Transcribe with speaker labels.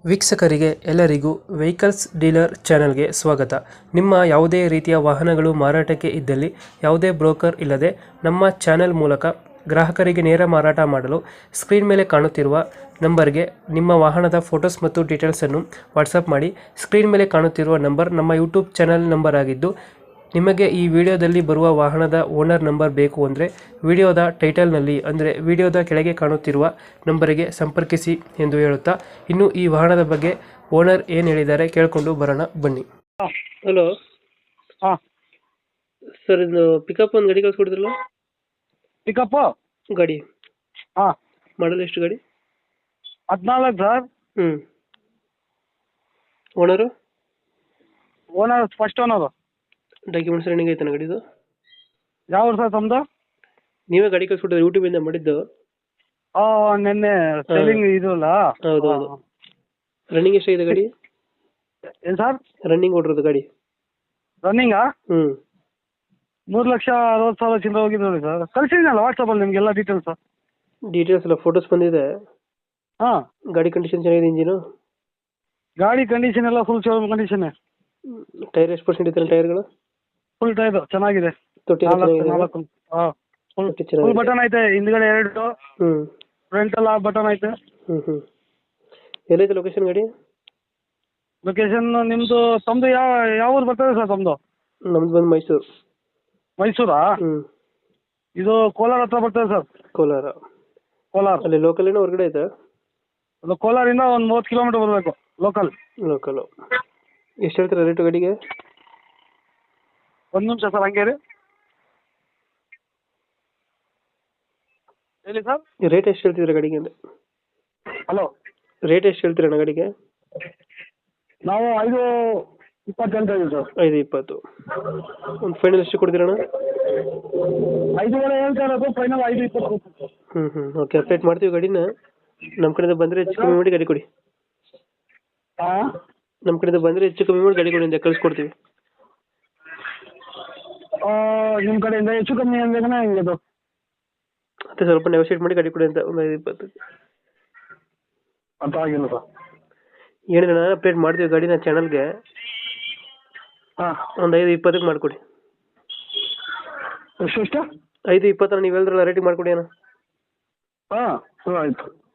Speaker 1: ವೀಕ್ಷಕರಿಗೆ ಎಲ್ಲರಿಗೂ vehicles dealer ಚಾನೆಲ್ಗೆ ಸ್ವಾಗತ. ನಿಮ್ಮ ಯಾವುದೇ ರೀತಿಯ ವಾಹನಗಳು ಮಾರಾಟಕ್ಕೆ ಇದ್ದಲ್ಲಿ ಯಾವುದೇ ಬ್ರೋಕರ್ ಇಲ್ಲದೆ ನಮ್ಮ ಚಾನೆಲ್ ಮೂಲಕ ಗ್ರಾಹಕರಿಗೆ ನೇರ ಮಾರಾಟ ಮಾಡಲು ಸ್ಕ್ರೀನ್ ಮೇಲೆ ಕಾಣುತ್ತಿರುವ ನಂಬರ್ಗೆ ನಿಮ್ಮ ವಾಹನದ ಫೋಟೋಸ್ ಮತ್ತು ಡೀಟೇಲ್ಸನ್ನು ವಾಟ್ಸಪ್ ಮಾಡಿ. ಸ್ಕ್ರೀನ್ ಮೇಲೆ ಕಾಣುತ್ತಿರುವ ನಂಬರ್ ನಮ್ಮ ಯೂಟ್ಯೂಬ್ ಚಾನೆಲ್ ನಂಬರ್ ಆಗಿದ್ದು, ನಿಮಗೆ ಈ ವಿಡಿಯೋದಲ್ಲಿ ಬರುವ ವಾಹನದ ಓನರ್ ನಂಬರ್ ಬೇಕು ಅಂದರೆ ವಿಡಿಯೋದ ಟೈಟಲ್ನಲ್ಲಿ ಅಂದರೆ ವಿಡಿಯೋದ ಕೆಳಗೆ ಕಾಣುತ್ತಿರುವ ನಂಬರಿಗೆ ಸಂಪರ್ಕಿಸಿ ಎಂದು ಹೇಳುತ್ತಾ, ಇನ್ನು ಈ ವಾಹನದ ಬಗ್ಗೆ ಓನರ್ ಏನು ಹೇಳಿದ್ದಾರೆ ಕೇಳಿಕೊಂಡು ಬರೋಣ ಬನ್ನಿ.
Speaker 2: ಹಾಂ
Speaker 1: ಹಲೋ
Speaker 2: ಹಾಂ
Speaker 1: ಸರ್, ಇದು ಪಿಕಪ್ ಒಂದು ಗಾಡಿ ಕಳಿಸ್ಕೊಡಿದ್ರಲ್ಲ,
Speaker 2: ಪಿಕಪ್ಪು
Speaker 1: ಗಾಡಿ
Speaker 2: ಹಾಂ
Speaker 1: ಮಾಡಲ್ ಎಷ್ಟು ಗಾಡಿ?
Speaker 2: 14 sir.
Speaker 1: Owner
Speaker 2: owner first owner.
Speaker 1: Documents running ಐತಾನ ಗಾಡಿದು?
Speaker 2: ಯಾವ ಸರ್ ತಮ್ಮದು?
Speaker 1: ನೀವೇ ಗಾಡಿ ಕಳಿಸ್ಕೊಟ್ಟಿದ್ರೆ ಯೂಟ್ಯೂಬಿಂದ ಮಾಡಿದ್ದು?
Speaker 2: ನಿನ್ನೆ ಸೆಲ್ಲಿಂಗ್ ಇದು ಅಲ್ಲ.
Speaker 1: ಹೌದು ಹೌದು. ರನ್ನಿಂಗ್ ಎಷ್ಟಾಗಿದೆ ಗಾಡಿ?
Speaker 2: ಏನು ಸರ್
Speaker 1: ರನ್ನಿಂಗ್ ಓಡಿರೋದು ಗಾಡಿ?
Speaker 2: ರನ್ನಿಂಗಾ? 3,60,000 ಚಿಲ್ಲರೆ ಹೋಗಿದೆ ನೋಡಿ ಸರ್. ಕಳಿಸಿದ್ದೀನಲ್ಲ ವಾಟ್ಸಪ್ಪಲ್ಲಿ ನಿಮಗೆಲ್ಲ ಡೀಟೇಲ್ಸು.
Speaker 1: ಡೀಟೇಲ್ಸ್ ಎಲ್ಲ ಫೋಟೋಸ್ ಬಂದಿದೆ.
Speaker 2: ಹಾಂ,
Speaker 1: ಗಾಡಿ ಕಂಡೀಷನ್ ಚೆನ್ನಾಗಿದೆ, ಇಂಜಿನು?
Speaker 2: ಗಾಡಿ ಕಂಡೀಷನ್ ಎಲ್ಲ ಫುಲ್ ಶೋರೂಮ್ ಕಂಡೀಷನ್ನೇ.
Speaker 1: ಟೈರ್ ಎಷ್ಟು ಪರ್ಸೆಂಟ್ ಇದೆ ಟೈರ್ಗಳು?
Speaker 2: ಫುಲ್ ಟೈರ್ ಚೆನ್ನಾಗಿದೆ.
Speaker 1: ತೊಟ್ಟಿ
Speaker 2: ನಾಲ್ಕು ಹಾಂ, ಫುಲ್
Speaker 1: ತೊಟ್ಟಿ ಚೆನ್ನಾಗಿದೆ.
Speaker 2: ಬಟನ್ ಐತೆ, ಹಿಂದ್ಗಡೆ 2, ಫ್ರಂಟೆಲ್ಲ ಬಟನ್ ಐತೆ.
Speaker 1: ಎಲ್ಲೈತೆ ಲೊಕೇಶನ್ ಗಾಡಿ?
Speaker 2: ಲೊಕೇಶನ್ ನಿಮ್ಮದು ತಮ್ಮದು ಯಾವ ಊರು ಬರ್ತದೆ ಸರ್ ತಮ್ಮದು?
Speaker 1: ನಮ್ದು ಬಂದು ಮೈಸೂರು.
Speaker 2: ಮೈಸೂರಾ? ಇದು ಕೋಲಾರ ಹತ್ರ ಬರ್ತದೆ ಸರ್.
Speaker 1: ಕೋಲಾರ?
Speaker 2: ಕೋಲಾರ
Speaker 1: ಅಲ್ಲಿ ಲೋಕಲ್ ಏನೋ ಹೊರಗಡೆ ಐತೆ?
Speaker 2: ಅದು ಕೋಲಾರಿಂದ ಒಂದು 30 ಕಿಲೋಮೀಟರ್ ಬರಬೇಕು ಲೋಕಲ್.
Speaker 1: ಲೋಕಲು. ಎಷ್ಟು ಹೇಳ್ತೀರಾ ರೇಟು ಗಾಡಿಗೆ?
Speaker 2: ಒಂದು ನಿಮಿಷ ಸರ್, ಹಂಗೆ ರೀ. ಹೇಳಿ ಸರ್.
Speaker 1: ರೇಟ್ ಎಷ್ಟು ಹೇಳ್ತಿದ್ದೀರಾ ಗಾಡಿಗೆ ಅಂದರೆ?
Speaker 2: ಹಲೋ,
Speaker 1: ರೇಟ್ ಎಷ್ಟು ಹೇಳ್ತೀರಣ್ಣ ಗಾಡಿಗೆ?
Speaker 2: ನಾವು 5:20 ಅಂತ ಇದ್ದೀವಿ ಸರ್.
Speaker 1: 5:20. ಒಂದು ಫೈನಲ್ ಎಷ್ಟು ಕೊಡ್ತೀರಣ್ಣ?
Speaker 2: 5:30 ಹೇಳ್ತಾ ಇರೋದು, ಫೈನಲ್ 5:20.
Speaker 1: ಓಕೆ, ಅಪ್ಡೇಟ್ ಮಾಡ್ತೀವಿ ಗಾಡಿನ. ನಮ್ಮ ಕಡೆಯಿಂದ ಬಂದರೆ ಹೆಚ್ಚು ಕಮ್ಮಿ ಮಾಡಿ ಗಾಡಿ ಕೊಡಿ.
Speaker 2: ಹಾಂ,
Speaker 1: ನಮ್ಮ ಕಡೆಯಿಂದ ಬಂದರೆ ಹೆಚ್ಚು ಕಮ್ಮಿ ಮಾಡಿ ಗಾಡಿ ಕೊಡಿ ಅಂತ ಕಳಿಸ್ಕೊಡ್ತೀವಿ.
Speaker 2: ನಿಮ್ಮ ಕಡೆಯಿಂದ ಹೆಚ್ಚು ಕಮ್ಮಿ ಅಂದ್ರೆ ಹೆಂಗೆ ಅದು?
Speaker 1: ಮತ್ತೆ ಸ್ವಲ್ಪ ನೆಗೋಷಿಯೇಟ್ ಮಾಡಿ ಗಾಡಿ ಕೊಡಿ ಅಂತ. ಒಂದು 5:20
Speaker 2: ಅಂತ ಆಗಿಲ್ಲ ಸರ್.
Speaker 1: ಏನಿಲ್ಲ, ಅಪ್ಡೇಟ್ ಮಾಡ್ತೀವಿ ಗಾಡಿನ ಚಾನಲ್ಗೆ.
Speaker 2: ಹಾಂ,
Speaker 1: ಒಂದು 5:20 ಮಾಡಿಕೊಡಿ.
Speaker 2: ಎಷ್ಟು?
Speaker 1: 5:20 ನೀವು ಹೇಳಿದ್ರಲ್ಲ, ರೇಟಿಂಗ್ ಮಾಡಿಕೊಡಿ ಅಣ್ಣ.
Speaker 2: ಹಾಂ, ಆಯಿತು.